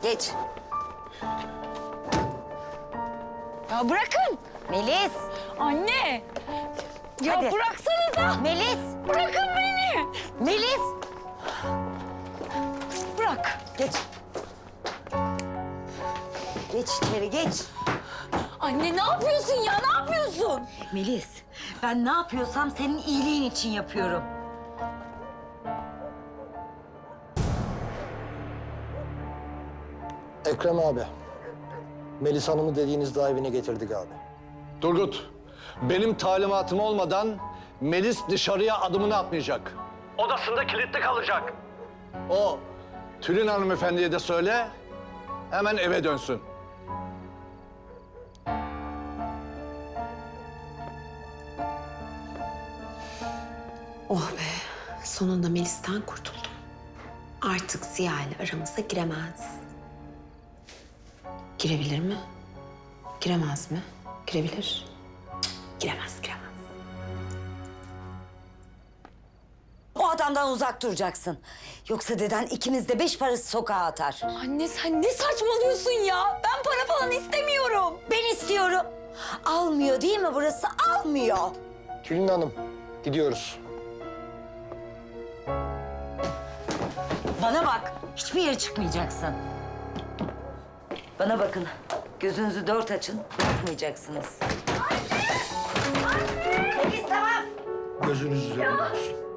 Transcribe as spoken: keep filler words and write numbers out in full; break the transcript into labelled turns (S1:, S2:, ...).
S1: Geç.
S2: Ya bırakın.
S1: Melis.
S2: Anne. Ya
S1: Hadi.
S2: bıraksanıza.
S1: Melis.
S2: Bırakın beni.
S1: Melis.
S2: Bırak.
S1: Geç. Geç içeri geç.
S2: Anne ne yapıyorsun ya? Ne yapıyorsun?
S1: Melis, ben ne yapıyorsam senin iyiliğin için yapıyorum.
S3: Ekrem abi, Melis Hanım'ı dediğiniz daha evine getirdik abi.
S4: Turgut, benim talimatım olmadan Melis dışarıya adımını atmayacak. Odasında kilitli kalacak. O Tülin hanımefendiye de söyle, hemen eve dönsün.
S5: Oh be, sonunda Melis'ten kurtuldum. Artık Ziya ile aramıza giremez. Girebilir mi? Giremez mi? Girebilir. Cık, giremez, giremez.
S1: O adamdan uzak duracaksın. Yoksa deden ikimiz de beş parası sokağa atar.
S2: Anne sen ne saçmalıyorsun ya? Ben para falan istemiyorum.
S1: Ben istiyorum. Almıyor değil mi burası? Almıyor.
S3: Tülin Hanım, gidiyoruz.
S1: Bana bak, hiçbir yere çıkmayacaksın. Bana bakın, gözünüzü dört açın, bırakmayacaksınız. Anne! Anne! Melis tamam.
S3: Gözünüz üzerinde olsun.